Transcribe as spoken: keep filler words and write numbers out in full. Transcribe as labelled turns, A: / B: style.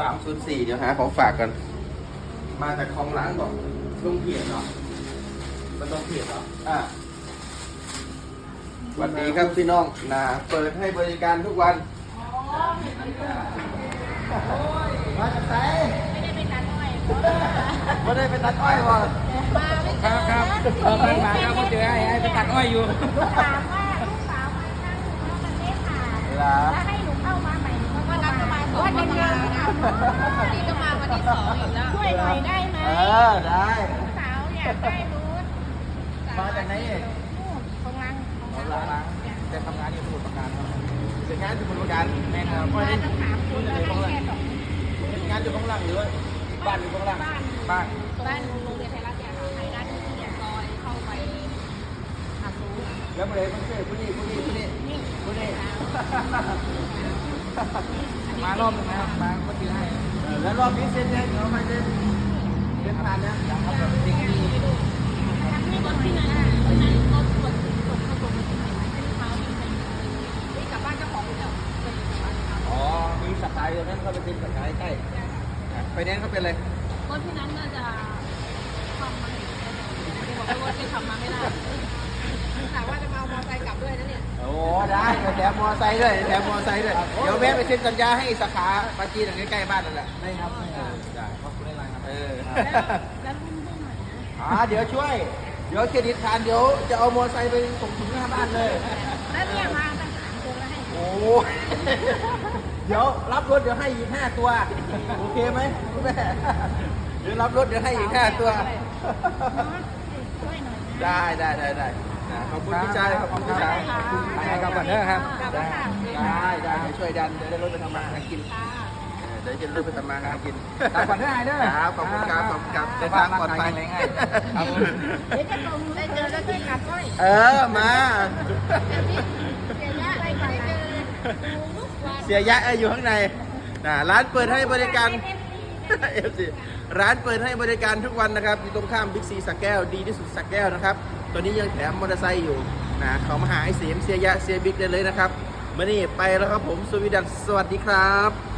A: สามศูนย์สี่เดี๋ยวหาของฝากกัน มาจากของหลังก่อนลงเพียรเนาะมันต้องเพียรเนาะอ่ะสวัสดีครับพี่น้องนะเปิดให้บริการทุกวันมาจากไหน
B: ไม่ได้ไปตัดอ้อย
A: ไม่ได้ไปตัดอ้อยว่ะ
B: มาไม่เจ
C: ค
B: อ
C: รับครับเออไปมาครับก็เจอไอ้ไอ้ไปตัดอ้อยอยู่
B: ลูกถามว่าลูกสาวมาข้างหนูแล้วมันไม่ผ่าน
A: เหรอ
B: แล้วให้หนูเข้ามาใหม่หนูก็เข้ามาว่าเดินเดินนี่ก็มาวันที่สองอีกแล้วช่วยหน่อยได้ไหม
A: เออได้
B: ลูกสาวอยากได้รถ
A: มาจากไหนเอง
B: นู่นของรัง
A: ของหลัง
C: จะทำงานอยู่สมุทรปราการครับ
A: เป็นงานที่บริการ
C: แม่ครับ
B: มาต้องถามคุณแล้วให้แค่สอง
A: เป็นงานอยู่ข้างล่างหรือว่าบ้านอยู่ข้างล่าง
B: บ้าน
C: บ้าน
B: บ้านโรงเรียนไทยรัฐเนี่ยค่ะไทยรัฐที่เนี่ยซอยเข้าไปหาซู
A: แล้วมาเลยมันเชื่อผู้นี้ผู้นี้ผู้นี้
B: นี่
A: ผู้นี้
C: มารอบนึงนะครับมาก็ซื้อให้
A: เออแล้วรอบนี้เซ็นยังเราไม่เซ็นเซ็นผ่านนะยังครับแบบ
B: ทำให้รถที่นั่นวันนั้นรถตรวจตรวจเข้าตรวจที่ไหนที่เท้ามีใครนี่กลับบ้านเจ้าของเจ้าเป็นยังไงวะ
A: อ๋อมีสกายตรงนั้นเขาไปเซ็นสกายใกล้ไฟแนนซ์เขาเป็นอะไร
B: รถที่นั้นน่าจะทำมาเห็นบอกว่ารถที่ทำมาไม่ได้ถามว่าจะมาเอามอเตอร์ไซค์กลับด้วยนะเนี่ย
A: โอ้ได้แถมมอไซค์ด้วยแถมมอไซค์ด้วยเดี๋ยวแวะไปเซ็นสัญญาให้สาขาปาจีนใกล้ๆบ้านนั่นแหละ
C: ได้ครับได้ขอบคุณในไลน์ครับ
A: เออ
B: แล้วแล้วรุ่นให้หน่อยนะ
A: อ่าเดี๋ยวช่วยเดี๋ยวเครดิตผ่านเดี๋ยวจะเอามอไซค์ไปส่งถึงหน้าบ้านเลย
B: แล้วเนี่ยมาตั้งสามคนแล้วให้
A: โอ้เดี๋ยวรับรถเดี๋ยวให้อีกห้าตัวโอเคไหมคุณแม่เดี๋ยวรับรถเดี๋ยวให้อีกห้าตัว
B: ช่วยหน่อยนะ
A: ได้ได้ได้ได้ขอบคุณพี่ชายขอบคุณพี่ชาย
C: ไปกลับก่อนเด้อครับ
A: ได้ได้ได้เดี๋ยวช่วยดันเดี๋ยวได้รถไปทำมาหากิน
B: ค่ะ
A: เดี๋ยวจะรถไปทำมาหากิน
C: กลับก่อนเด้อไอ้เด้อ
A: ครับขอบคุณครับขอบคุณครับเดินทางปลอดภัย
C: เดินทางปลอดภัยครับ
B: เดี๋ยวจะตรงได้เจอแล้วช่วยกัดก้อย
A: เออมา
B: เดี๋ยวย่าไปก่อนนะทุกวัน
A: เสียยะอยู่ข้างในนะร้านเปิดให้บริการ เอฟซีร้านเปิดให้บริการทุกวันนะครับอยู่ตรงข้ามบิ๊กซีสักแก้วดีที่สุดสักแก้วนะครับตอนนี้ยังแถมมอเตอร์ไซค์อยู่นะเขามาหาไอ้เสียมเสียยะเสียบิ๊กได้เลยนะครับมื่อนี้ไปแล้วครับผมสวีดัสสวัสดีครับ